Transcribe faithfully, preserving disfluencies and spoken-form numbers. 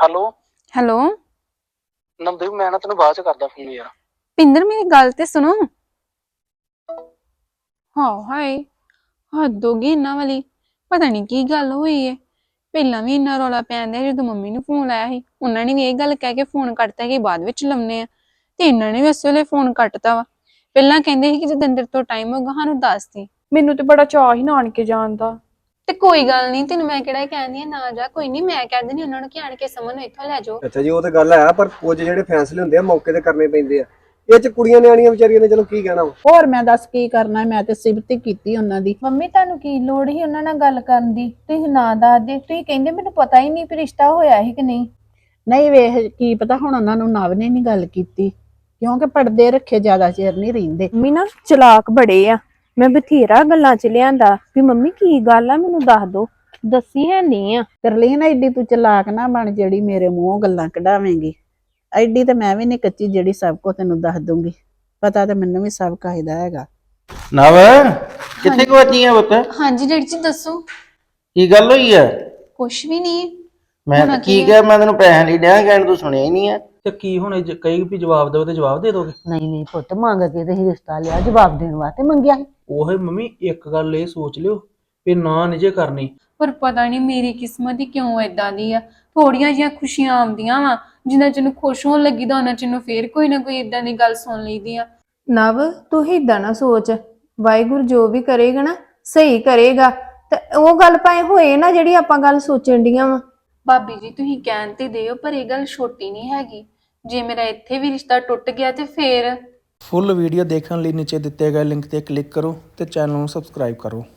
Hello hello Navdeep, ਮੈਂ ਨਾ ਤੈਨੂੰ ਬਾਅਦ ਚ ਕਰਦਾ ਫੋਨ ਯਾਰ। ਪਿੰਦਰ ਮੇਰੀ ਗੱਲ ਤੇ ਸੁਣੋ। ਹਾਂ ਹਾਏ ਹੱਦ ਹੋ ਗਈ ਇਹਨਾਂ ਵਾਲੀ। ਪਤਾ ਨਹੀਂ ਕੀ ਗੱਲ ਹੋਈ ਹੈ। ਪਹਿਲਾਂ ਵੀ ਇੰਨਾ ਰੌਲਾ ਪੈਂਦਾ ਜਦੋਂ ਮੰਮੀ ਨੂੰ ਫੋਨ ਲਾਇਆ ਸੀ, ਉਹਨਾਂ ਨੇ ਵੀ ਇਹ ਗੱਲ ਕਹਿ ਕੇ ਫੋਨ ਕੱਟਤਾ ਕਿ ਬਾਅਦ ਵਿੱਚ ਲਾਉਂਦੇ ਆ, ਤੇ ਇਹਨਾਂ ਨੇ ਵੀ ਇਸ ਵੇਲੇ ਫੋਨ ਕੱਟਤਾ ਵਾ। ਪਹਿਲਾਂ ਕਹਿੰਦੇ ਸੀ ਕਿ ਜਦੋਂ ਅੰਦਰ ਤੋਂ ਟਾਈਮ ਹੋਗਾ ਸਾਨੂੰ ਦੱਸ ਦੀ। ਮੈਨੂੰ ਤੇ ਬੜਾ ਚਾਅ ਹੀ ਨਾਨਕੇ ਜਾਣ ਦਾ। ਤੇ ਕੋਈ ਗੱਲ ਨਹੀਂ, ਤੈਨੂੰ ਮੈਂ ਕਿਹੜਾ ਕਹਿੰਦੀ ਆ ਨਾ ਜਾ, ਕੋਈ ਨਹੀਂ ਮੈਂ ਕਹਿ ਦਿੰਦੀ ਉਹਨਾਂ ਨੂੰ ਕਿ ਆਣ ਕੇ ਸਮਨ ਨੂੰ ਇੱਥੋਂ ਲੈ ਜਾਓ। ਅੱਛਾ ਜੀ, ਉਹ ਤਾਂ ਗੱਲ ਹੈ, ਪਰ ਕੁਝ ਜਿਹੜੇ ਫੈਸਲੇ ਹੁੰਦੇ ਆ ਮੌਕੇ ਤੇ ਕਰਨੇ ਪੈਂਦੇ ਆ। ਇਹ ਚ ਕੁੜੀਆਂ ਨਿਆਣੀਆਂ ਵਿਚਾਰੀਆਂ ਨੇ ਚਲੋ ਕੀ ਕਹਿਣਾ ਵਾ। ਹੋਰ ਮੈਂ ਦੱਸ ਕੀ ਕਰਨਾ, ਮੈਂ ਤੇ ਸਿਫਤ ਕੀਤੀ ਉਹਨਾਂ ਦੀ। ਮੰਮੀ ਤੁਹਾਨੂੰ ਕੀ ਲੋੜ ਸੀ ਉਹਨਾਂ ਨਾਲ ਗੱਲ ਕਰਨ ਦੀ? ਤੁਸੀਂ ਨਾ ਦੱਸਦੇ, ਤੁਸੀਂ ਕਹਿੰਦੇ ਮੈਨੂੰ ਪਤਾ ਹੀ ਨਹੀਂ ਵੀ ਰਿਸ਼ਤਾ ਹੋਇਆ ਸੀ ਕਿ ਨਹੀਂ। ਨਹੀਂ ਵੇਖ ਕੀ ਪਤਾ ਹੁਣ ਉਹਨਾਂ ਨੂੰ ਨਵ ਨੇ ਨਹੀਂ ਗੱਲ ਕੀਤੀ, ਕਿਉਂਕਿ ਪਰਦੇ ਰੱਖੇ ਜ਼ਿਆਦਾ ਚਿਰ ਨਹੀਂ ਰਹਿੰਦੇ। ਮੰਮੀ ਨਾ ਚਲਾਕ ਬੜੇ ਆ। ਮੈਂ ਬਥੇਰਾ ਗੱਲਾਂ ਚ ਲਿਆਂਦਾ ਵੀ ਮੰਮੀ ਕੀ ਗੱਲ ਆ ਮੈਨੂੰ ਦੱਸ ਦੋ, ਦੱਸੀ ਹੈ ਨਹੀਂ ਆ। ਕਰਲੀ ਨਾ ਐਡੀ ਤੂੰ ਚਲਾਕ ਨਾ ਬਣ ਜਿਹੜੀ ਮੇਰੇ ਮੂੰਹੋਂ ਗੱਲਾਂ ਕਢਾਵੇਂਗੀ। ਐਡੀ ਤੇ ਮੈਂ ਵੀ ਨਹੀਂ ਕੱਚੀ ਜਿਹੜੀ ਸਭ ਕੁਝ ਤੈਨੂੰ ਦੱਸ ਦੂੰਗੀ। ਪਤਾ ਤੇ ਮੈਨੂੰ ਵੀ ਸਭ ਕਾਇਦਾ ਹੈਗਾ। ਨਵ ਕਿੱਥੇ ਗਵਾਚੀ ਆ ਪੁੱਤ? ਹਾਂਜੀ ਡੈਡੀ ਜੀ ਦੱਸੋ। ਕੀ ਗੱਲ ਹੋਈ ਆ? ਕੁਛ ਵੀ ਨਹੀਂ। ਮੈਂ ਤਾਂ ਕੀ ਕਿਹਾ, ਮੈਂ ਤੈਨੂੰ ਪੈਸੇ ਨਹੀਂ ਡਿਆ ਕਹਿਣ, ਤੂੰ ਸੁਣਿਆ ਹੀ ਨਹੀਂ ਆ। ਤੇ ਕੀ ਹੁਣ ਜੇ ਕਹੀ ਵੀ ਜਵਾਬ ਦਿਓ ਤੇ ਜਵਾਬ ਦੇ ਦੋਗੇ? ਨਹੀਂ ਨਹੀਂ ਪੁੱਤ, ਮੰਗ ਕੇ ਤੇ ਰਿਸ਼ਤਾ ਲਿਆ, ਜਵਾਬ ਦੇਣ ਵਾਸਤੇ ਮੰਗਿਆ ਸੀ। ਉਹ ਮੰਮੀ ਇੱਕ ਗੱਲ ਇਹ ਸੋਚ ਲਿਓ ਵੀ ਨਾ ਨਿਜੇ ਕਰਨੀ। ਪਰ ਪਤਾ ਨਹੀਂ ਮੇਰੀ ਕਿਸਮਤ ਹੀ ਕਿਉਂ ਏਦਾਂ ਦੀ ਆ। ਥੋੜੀਆਂ ਜਿਹੀਆਂ ਖੁਸ਼ੀਆਂ ਆਉਂਦੀਆਂ ਵਾ, ਜਿੰਨਾ ਚਿਰ ਨੂੰ ਖੁਸ਼ ਹੋਣ ਲੱਗੀ ਤਾਂ ਉਹਨਾਂ ਚਿਰ ਨੂੰ ਫੇਰ ਕੋਈ ਨਾ ਕੋਈ ਏਦਾਂ ਦੀ ਗੱਲ ਸੁਣ ਲਈਦੀ ਆ। ਨਵ ਤੂੰ ਏਦਾਂ ਨਾ ਸੋਚ, ਵਾਹਿਗੁਰੂ ਜੋ ਵੀ ਕਰੇਗਾ ਨਾ ਸਹੀ ਕਰੇਗਾ। ਤੇ ਉਹ ਗੱਲ ਭਾਵੇਂ ਹੋਏ ਨਾ ਜਿਹੜੀ ਆਪਾਂ ਗੱਲ ਸੋਚਣ ਡੀਆਂ ਵਾ। ਭਾਬੀ ਜੀ ਤੁਸੀਂ ਕਹਿਣ ਤੇ ਦਿਓ, ਪਰ ਇਹ ਗੱਲ ਛੋਟੀ ਨਹੀਂ ਹੈਗੀ। ਜੇ ਮੇਰਾ ਇੱਥੇ ਵੀ ਰਿਸ਼ਤਾ ਟੁੱਟ ਗਿਆ ਤੇ ਫੇਰ। ਫੁੱਲ ਵੀਡੀਓ ਦੇਖਣ ਲਈ ਨੀਚੇ ਦਿੱਤੇ ਗਏ ਲਿੰਕ ਤੇ ਕਲਿੱਕ ਕਰੋ ਤੇ ਚੈਨਲ ਨੂੰ ਸਬਸਕ੍ਰਾਈਬ ਕਰੋ।